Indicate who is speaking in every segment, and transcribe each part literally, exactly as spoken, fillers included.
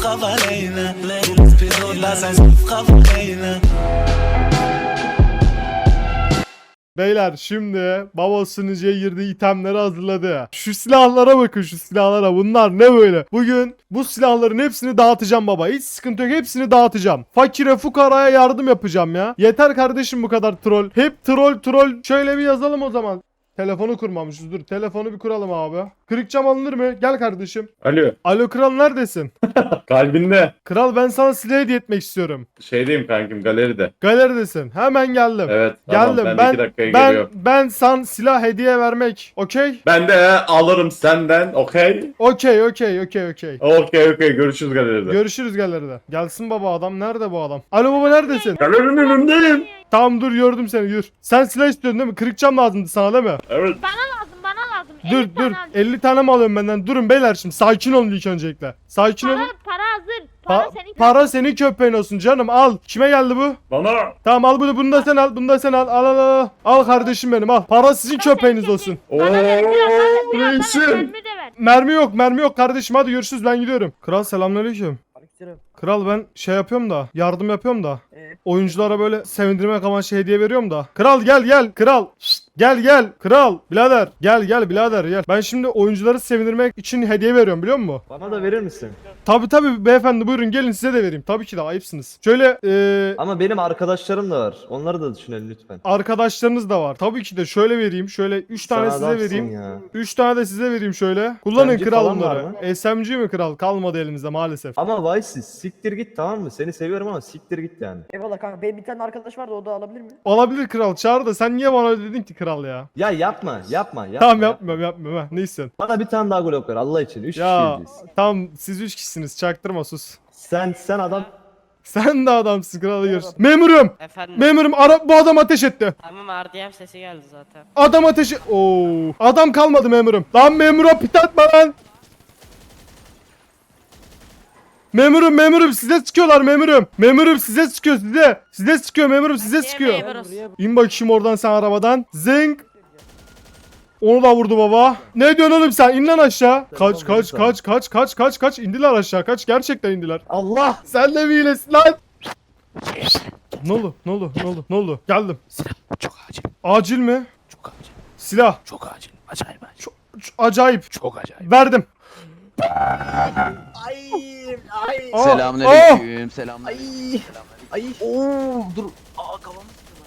Speaker 1: Beyler şimdi baba sunucuya girdiği itemleri hazırladı. Şu silahlara bakın, şu silahlara. Bunlar ne böyle? Bugün bu silahların hepsini dağıtacağım baba. Hiç sıkıntı yok, hepsini dağıtacağım. Fakire fukaraya yardım yapacağım ya. Yeter kardeşim bu kadar troll. Hep troll troll. Şöyle bir yazalım o zaman. Telefonu kurmamışız. Dur telefonu bir kuralım abi. Kırık cam alınır mı? Gel kardeşim.
Speaker 2: Alo.
Speaker 1: Alo kral, neredesin?
Speaker 2: Kalbinde.
Speaker 1: Kral ben sana silah hediye etmek istiyorum.
Speaker 2: Şeydeyim kankim, galeride.
Speaker 1: Galeridesin. Hemen geldim.
Speaker 2: Evet. Tamam,
Speaker 1: Geldim.
Speaker 2: ben,
Speaker 1: Ben
Speaker 2: iki dakikaya
Speaker 1: ben
Speaker 2: geliyorum.
Speaker 1: ben sana silah hediye vermek. Okey?
Speaker 2: Ben de alırım senden. Okey.
Speaker 1: Okey, okey, okey, okey.
Speaker 2: Okey okey. Görüşürüz galeride.
Speaker 1: Görüşürüz galeride. Gelsin baba, adam nerede bu adam? Alo baba, neredesin?
Speaker 2: Galerinin önündeyim.
Speaker 1: Tamam dur, gördüm seni, yürü. Sen silah istiyordun değil mi? Kırık cam lazımdı sana değil mi?
Speaker 2: Evet.
Speaker 3: Bana lazım, bana lazım.
Speaker 1: Dur
Speaker 3: elli
Speaker 1: dur.
Speaker 3: tane al.
Speaker 1: elli tane mi alıyorum benden? Durun beyler şimdi. Sakin olun ilk öncelikle. Sakin
Speaker 3: Para,
Speaker 1: olun.
Speaker 3: para hazır. Para
Speaker 1: Pa-
Speaker 3: senin.
Speaker 1: para senin köpeğin olsun canım, al. Kime geldi bu?
Speaker 2: Bana.
Speaker 1: Tamam al bunu, bunu da sen al, bunu da sen al. Al al al. Al kardeşim benim, al. Para sizin
Speaker 3: Para
Speaker 1: köpeğiniz
Speaker 3: senin
Speaker 1: olsun.
Speaker 2: Ooo.
Speaker 3: Bana ver, biraz, bana ver, biraz, bana ver,
Speaker 2: Reisim.
Speaker 3: mermi de ver.
Speaker 1: Mermi yok, mermi yok kardeşim, hadi görüşürüz, ben gidiyorum. Kral selamünaleyküm. Kral ben şey yapıyorum da, yardım yapıyorum da.
Speaker 4: Evet.
Speaker 1: Oyunculara böyle sevindirmek amaçlı hediye veriyorum da. Kral gel gel kral. Şşt, gel gel kral birader. Gel gel birader gel. Ben şimdi oyuncuları sevindirmek için hediye veriyorum, biliyor musun?
Speaker 4: Bana da verir misin?
Speaker 1: Tabi tabi beyefendi, buyurun gelin size de vereyim. Tabii ki de ayıpsınız. Şöyle eee
Speaker 4: Ama benim arkadaşlarım da var. Onları da düşünelim lütfen.
Speaker 1: arkadaşlarınız da var. Tabii ki de şöyle vereyim. Şöyle üç tane
Speaker 4: Sen
Speaker 1: size
Speaker 4: adamsın
Speaker 1: vereyim.
Speaker 4: ya.
Speaker 1: üç tane de size vereyim şöyle. Kullanın
Speaker 4: S M G
Speaker 1: kral
Speaker 4: falan var
Speaker 1: bunları. S M G mi kral? Kalmadı elimizde maalesef.
Speaker 4: Ama Vice'siz siktir git, tamam mı? Seni seviyorum ama siktir git yani.
Speaker 5: Eyvallah kanka. Benim bir tane arkadaş vardı, o da alabilir mi?
Speaker 1: Olabilir kral, çağır da sen niye bana öyle dedin ki kral ya?
Speaker 4: Ya yapma yapma yapma.
Speaker 1: Tamam yapmıyorum yapmıyorum ha. Ne istiyorsun?
Speaker 4: Bana bir tane daha Glock ver Allah için. Üç
Speaker 1: Ya
Speaker 4: kişiyiz.
Speaker 1: tamam, siz üç kişisiniz, çaktırma, sus.
Speaker 4: Sen sen adam.
Speaker 1: Sen de adamsın, kralı görürsün. Memurum!
Speaker 6: Efendim.
Speaker 1: Memurum, ara bu adam ateş etti.
Speaker 6: Tamam, R D M sesi geldi zaten.
Speaker 1: Adam ateşi... Oo. Adam kalmadı memurum. Lan memura pit atma lan. Memurum memurum size sıkıyorlar memurum. Memurum size sıkıyor size. Size sıkıyor memurum, size sıkıyor. İn bakayım oradan sen arabadan. Zing. Onu da vurdu baba. Ne diyorsun oğlum sen? İn lan aşağı. Kaç kaç kaç kaç kaç kaç kaç indiler aşağı. Kaç, gerçekten indiler.
Speaker 4: Allah.
Speaker 1: Sen de bir iyilesin lan. Ne oldu? Ne oldu? Ne oldu? Ne oldu? Geldim.
Speaker 7: Çok acil.
Speaker 1: Acil mi?
Speaker 7: Çok acil.
Speaker 1: Silah.
Speaker 7: Çok acil. Acayip acil.
Speaker 1: Çok, çok acayip.
Speaker 7: Çok acayip.
Speaker 1: Verdim.
Speaker 5: Ay ay
Speaker 1: Aa,
Speaker 7: Selamünaleyküm. Selamünaleyküm.
Speaker 5: ay.
Speaker 7: Oo dur. Aa kafam.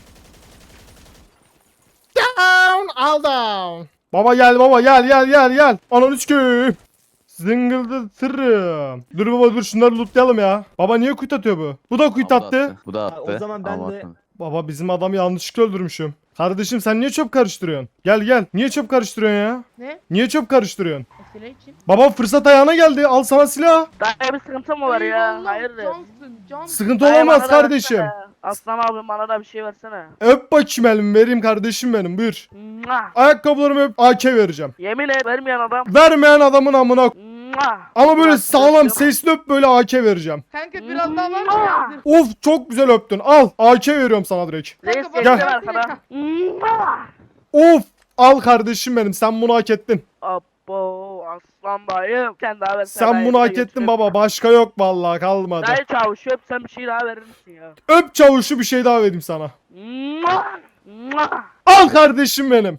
Speaker 1: Down, all down. Baba gel baba, gel gel gel gel. Anan üç köyüm. Zıngıldı tırım. Dur baba dur, şunları lootlayalım ya. Baba niye kuyut atıyor bu? Bu da kuyut attı.
Speaker 7: Bu da
Speaker 4: Ha,
Speaker 7: attı.
Speaker 4: o zaman ben
Speaker 7: Ama
Speaker 4: de-
Speaker 7: atmadı.
Speaker 1: Baba bizim adamı yanlışlıkla öldürmüşüm. Kardeşim sen niye çöp karıştırıyorsun? Gel gel. Niye çöp karıştırıyorsun ya?
Speaker 3: Ne?
Speaker 1: Niye çöp karıştırıyorsun?
Speaker 3: Silah için.
Speaker 1: Baba fırsat ayağına geldi. Al sana silah.
Speaker 8: Daha bir sıkıntı mı var ya? Hayırdır?
Speaker 3: Cansın, cansın.
Speaker 1: Sıkıntı
Speaker 8: Dayı,
Speaker 1: olamaz
Speaker 8: bana da
Speaker 1: kardeşim.
Speaker 8: versene. Aslan abi bana da bir şey versene.
Speaker 1: Öp bakayım elimi, vereyim kardeşim benim, buyur.
Speaker 8: Mua.
Speaker 1: Ayakkabılarımı öp, A K vereceğim.
Speaker 8: Yemin et vermeyen adam.
Speaker 1: Vermeyen adamın amına.
Speaker 8: Mua.
Speaker 1: Ama böyle
Speaker 8: Mua.
Speaker 1: sağlam sesli öp, böyle A K vereceğim.
Speaker 3: Kanka biraz daha var mı?
Speaker 8: Mua.
Speaker 3: ya?
Speaker 1: Of çok güzel öptün. Al A K veriyorum sana direkt.
Speaker 8: Reis
Speaker 3: Kanka,
Speaker 8: geldi
Speaker 1: gel.
Speaker 8: arkada. Mua.
Speaker 1: Of al kardeşim benim, sen bunu hak ettin.
Speaker 8: Abo aslan dayım. Sen daha versene.
Speaker 1: Sen
Speaker 8: dayı,
Speaker 1: bunu
Speaker 8: bir de
Speaker 1: hak ettin
Speaker 8: geçiyorum.
Speaker 1: baba, başka yok vallahi, kalmadı.
Speaker 8: Dayı çavuş öp sen bir şey daha verir misin ya?
Speaker 1: Öp çavuşu, bir şey daha vereyim sana.
Speaker 8: Mua. Mua.
Speaker 1: Al kardeşim benim.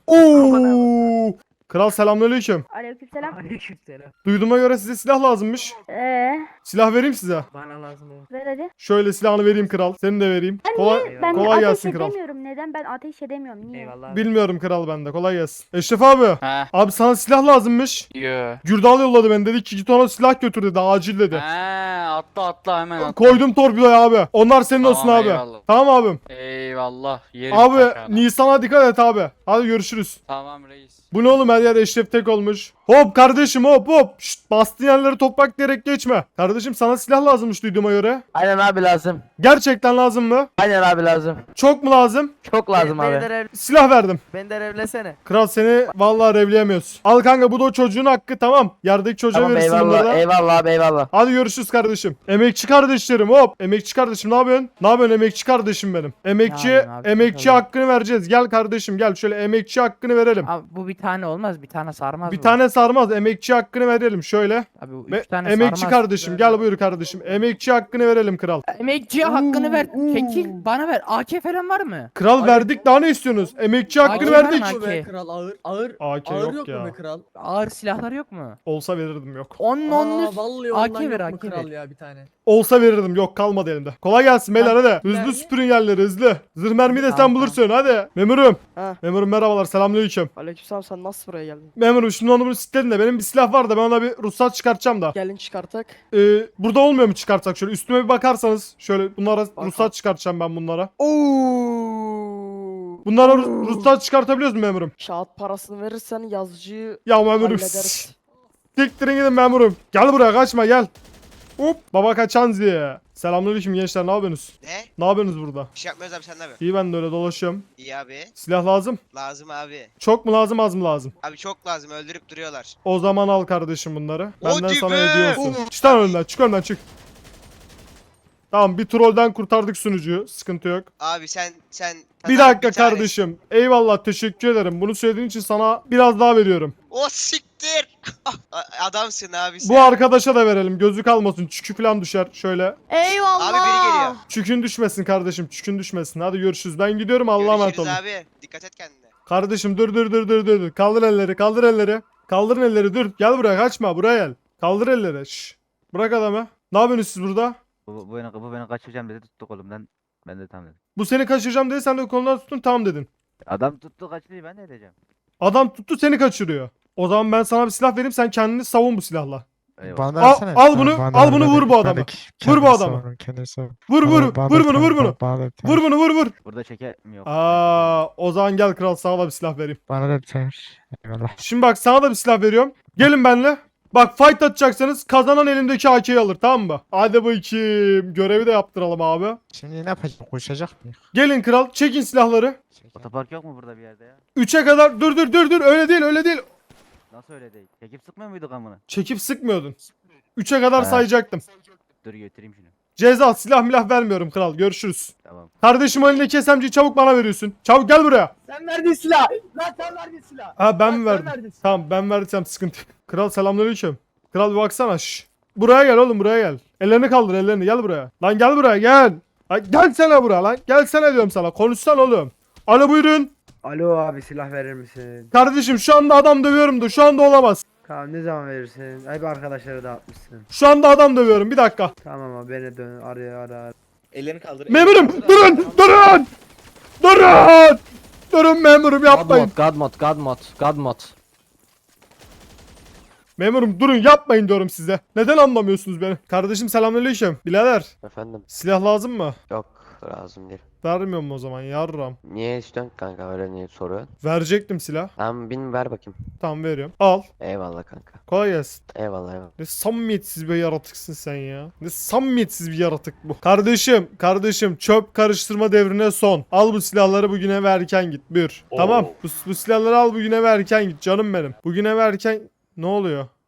Speaker 1: Oo. Kral selamünaleyküm.
Speaker 3: Aleykümselam.
Speaker 5: Aleykümselam.
Speaker 1: Duyduğuma göre size silah lazımmış.
Speaker 3: Eee,
Speaker 1: Silah vereyim size.
Speaker 5: Bana lazım o.
Speaker 3: ver hadi.
Speaker 1: Şöyle silahını vereyim kral. Senin de vereyim. Kolay,
Speaker 5: Ben
Speaker 1: kolay gelsin kral.
Speaker 3: edemiyorum. Neden? Ben ateş edemiyorum. Niye?
Speaker 5: Eyvallah.
Speaker 1: Bilmiyorum kral, bende. Kolay gelsin. Eşref abi.
Speaker 7: Ha.
Speaker 1: Abi sana silah lazımmış.
Speaker 7: Yo.
Speaker 1: Gürdal yolladı beni, dedi ki git ona silah götür dedi, acil dedi.
Speaker 7: Ha, atla atla hemen atla.
Speaker 1: Koydum torpidoya abi. Onlar senin
Speaker 7: Tamam,
Speaker 1: olsun abi.
Speaker 7: eyvallah.
Speaker 1: Tamam abim.
Speaker 7: Eyvallah. Yerim
Speaker 1: Abi
Speaker 7: taşağına.
Speaker 1: Nisan'a dikkat et abi. Hadi görüşürüz.
Speaker 7: Tamam reis.
Speaker 1: Bu ne oğlum, her yer Eşref tek olmuş. Hop kardeşim hop hop. Şşt, bastığın yerleri toprak diyerek geçme. Kardeşim sana silah lazımmış duyduğuma göre.
Speaker 9: Aynen abi lazım.
Speaker 1: Gerçekten lazım mı?
Speaker 9: Aynen abi lazım.
Speaker 1: Çok mu lazım?
Speaker 9: Çok lazım
Speaker 5: Beni
Speaker 9: abi.
Speaker 5: de rev-
Speaker 1: Silah verdim.
Speaker 5: beni de revlesene.
Speaker 1: Kral seni vallahi revleyemiyoruz. Al kanka, bu da o çocuğun hakkı, tamam. Yerdeki çocuğa
Speaker 9: Tamam
Speaker 1: verirsin
Speaker 9: eyvallah.
Speaker 1: bunları da.
Speaker 9: Eyvallah abi eyvallah.
Speaker 1: Hadi görüşürüz kardeşim. Emekçi kardeşlerim hop. Emekçi kardeşim ne yapıyorsun? Ne yapıyorsun emekçi kardeşim benim? Emekçi
Speaker 9: Ne yapayım abi,
Speaker 1: emekçi
Speaker 9: bakalım.
Speaker 1: hakkını vereceğiz. Gel kardeşim gel, şöyle emekçi hakkını verelim.
Speaker 9: Abi bu bir tane olmaz. Bir tane sarmaz
Speaker 1: Bir
Speaker 9: bu.
Speaker 1: tane sarmaz. Emekçi hakkını verelim şöyle.
Speaker 9: Abi bu
Speaker 1: Ve
Speaker 9: üç tane
Speaker 1: emekçi
Speaker 9: sarmaz.
Speaker 1: kardeşim gel buyur kardeşim. Emekçi hakkını verelim kral.
Speaker 9: Emekçiye hakkını ver. Çekil bana ver. A K falan var mı?
Speaker 1: Kral verdik daha ne istiyorsunuz? Emekçi hakkını
Speaker 9: Hakkı
Speaker 1: verdik.
Speaker 9: var mı?
Speaker 5: Be kral ağır ağır.
Speaker 1: A K
Speaker 5: Ağır
Speaker 1: yok
Speaker 5: yok mu
Speaker 1: ya.
Speaker 5: be kral?
Speaker 9: Ağır silahlar yok mu?
Speaker 1: Olsa verirdim yok.
Speaker 9: On
Speaker 5: Aa,
Speaker 9: onluk.
Speaker 5: vallahi
Speaker 9: A K
Speaker 5: ondan
Speaker 9: ver,
Speaker 5: yok mu
Speaker 9: A K
Speaker 5: kral
Speaker 9: ver.
Speaker 5: ya bir tane.
Speaker 1: Olsa verirdim yok kalmadı elimde. Kolay gelsin beyler hadi. Hızlı
Speaker 5: Mermi?
Speaker 1: süpürün yerleri hızlı. Zırh mermi de sen
Speaker 9: Tamam,
Speaker 1: bulursun hadi. Memurum.
Speaker 8: Ha.
Speaker 1: Memurum merhabalar selamünaleyküm.
Speaker 8: Aleykümselam, sen nasıl buraya geldin?
Speaker 1: Memurum şimdi onu bunu sitledin de benim bir silah var da ben ona bir ruhsat çıkartacağım da.
Speaker 8: Gelin çıkartak.
Speaker 1: Ee, burada olmuyor mu çıkartsak şöyle üstüme bir bakarsanız şöyle bunlara ruhsat çıkartacağım ben bunlara.
Speaker 8: Oo.
Speaker 1: Bunlara ru- ruhsat çıkartabiliyoruz mu memurum?
Speaker 8: Kağıt parasını verirsen yazıcıyı
Speaker 1: Ya memurum.
Speaker 8: hallederiz.
Speaker 1: Siktirin gidin memurum. Gel buraya kaçma gel. Hop baba kaçan diye. Selamünaleyküm gençler ne yapıyorsunuz?
Speaker 10: Ne?
Speaker 1: Ne yapıyorsunuz burada?
Speaker 10: Bir şey yapmıyoruz abi, sen ne yapıyorsun?
Speaker 1: İyi ben de öyle dolaşıyorum.
Speaker 10: İyi abi.
Speaker 1: Silah lazım.
Speaker 10: Lazım abi.
Speaker 1: Çok mu lazım az mı lazım?
Speaker 10: Abi çok lazım, öldürüp duruyorlar.
Speaker 1: O zaman al kardeşim bunları. Benden
Speaker 10: Hadi
Speaker 1: sana
Speaker 10: be!
Speaker 1: hediye olsun.
Speaker 10: Of.
Speaker 1: Çık lan önümden çık önümden çık. Tamam bir trollden kurtardık sunucuyu. Sıkıntı yok.
Speaker 10: Abi sen sen
Speaker 1: Bir
Speaker 10: sana
Speaker 1: dakika
Speaker 10: tane-
Speaker 1: kardeşim. Eyvallah teşekkür ederim. Bunu söylediğin için sana biraz daha veriyorum.
Speaker 10: O siktir. A- Adamsın abi sen.
Speaker 1: Bu arkadaşa da verelim. Gözü kalmasın. Çükü falan düşer. Şöyle.
Speaker 3: Eyvallah.
Speaker 10: Abi biri geliyor.
Speaker 1: Çükün düşmesin kardeşim. Çükün düşmesin. Hadi görüşürüz. Ben gidiyorum. Allah'a emanet
Speaker 10: Görüşürüz
Speaker 1: olun.
Speaker 10: abi. Dikkat et kendine.
Speaker 1: Kardeşim dur dur dur dur dur. dur. Kaldır elleri. Kaldır elleri. Kaldırın elleri. Dur. Gel buraya. Kaçma. Buraya gel. Kaldır elleri. Şş. Bırak adamı. Ne yapıyorsunuz siz burada?
Speaker 11: Bu, bu, beni, bu beni kaçıracağım dedi, tuttu kolumdan. Ben de tamam dedim.
Speaker 1: Bu seni kaçıracağım dedi. Sen de kolundan tuttun. Tamam dedin.
Speaker 11: Adam tuttu kaçırıyor, ben ne edeceğim?
Speaker 1: Adam tuttu seni kaçırıyor. O zaman ben sana bir silah vereyim. Sen kendini savun bu silahla.
Speaker 11: Eyvallah.
Speaker 1: Al, al bunu. Al bunu vur bu adamı. Vur bu adamı. Vur vur. Vur bunu vur bunu. Vur bunu vur vur.
Speaker 11: Burada çeker mi yok?
Speaker 1: Aa, o zaman gel kral sana da bir silah vereyim.
Speaker 12: Bana da biter. Eyvallah.
Speaker 1: Şimdi bak sana da bir silah veriyorum. Gelin benimle. Bak fight atacaksanız kazanan elimdeki A K'yi alır tamam mı? Hadi bakayım. Görevi de yaptıralım abi.
Speaker 12: Şimdi ne yapacağız? Koşacak mıyız?
Speaker 1: Gelin kral çekin silahları.
Speaker 11: Otopark yok mu burada bir yerde ya?
Speaker 1: üçe kadar dur dur dur dur öyle değil öyle değil.
Speaker 11: Nasıl öyle değil? Çekip sıkmıyor muyduk amına?
Speaker 1: Çekip sıkmıyordun. üçe kadar
Speaker 11: He.
Speaker 1: sayacaktım.
Speaker 11: Dur götüreyim şunu.
Speaker 1: Ceza silah milah vermiyorum kral görüşürüz.
Speaker 11: Tamam.
Speaker 1: Kardeşim elindeki S M G'yi çabuk bana veriyorsun. Çabuk gel buraya.
Speaker 5: Sen verdin silah. Lan sen verdin silah.
Speaker 1: Ha ben
Speaker 5: Lan
Speaker 1: mi
Speaker 5: sen
Speaker 1: verdim?
Speaker 5: verdin silah.
Speaker 1: Tamam ben verdiysem sıkıntı yok. Kral selamünaleyküm. Kral bir baksana şş. Buraya gel oğlum buraya gel. Ellerini kaldır ellerini gel buraya. Lan gel buraya gel. Lan gelsene buraya lan. Gelsene diyorum sana. Konuşsana oğlum. Alo buyurun.
Speaker 5: Alo abi, silah verir misin?
Speaker 1: Kardeşim şu anda adam dövüyorum da şu anda olamaz.
Speaker 5: Tamam, ne zaman verirsin? Hep arkadaşları dağıtmışsın.
Speaker 1: Şu anda adam dövüyorum bir dakika.
Speaker 5: Tamam abi, beni dön araya ara ara.
Speaker 10: Ellerini kaldır.
Speaker 1: Memurum durun durun. Durun. Durun memurum yapmayın.
Speaker 9: God mod, God mod, God mod.
Speaker 1: Memurum durun yapmayın diyorum size. Neden anlamıyorsunuz beni? Kardeşim selamünaleyküm. Birader
Speaker 9: Efendim,
Speaker 1: silah lazım mı?
Speaker 9: yok lazım değil.
Speaker 1: Vermiyorum o zaman yarram.
Speaker 9: Niye istiyorsun kanka, öyle niye soruyorsun?
Speaker 1: Verecektim silah.
Speaker 9: Tamam bin ver bakayım.
Speaker 1: Tamam veriyorum. Al.
Speaker 9: Eyvallah kanka.
Speaker 1: Kolay gelsin.
Speaker 9: Eyvallah eyvallah.
Speaker 1: Ne samimiyetsiz bir yaratıksın sen ya. Ne samimiyetsiz bir yaratık bu. Kardeşim, kardeşim çöp karıştırma devrine son. Al bu silahları bugüne ve erken git. Buyur. Tamam. Bu, bu silahları al bugüne ve erken git canım benim. Bugüne ve erken... Ne oluyor?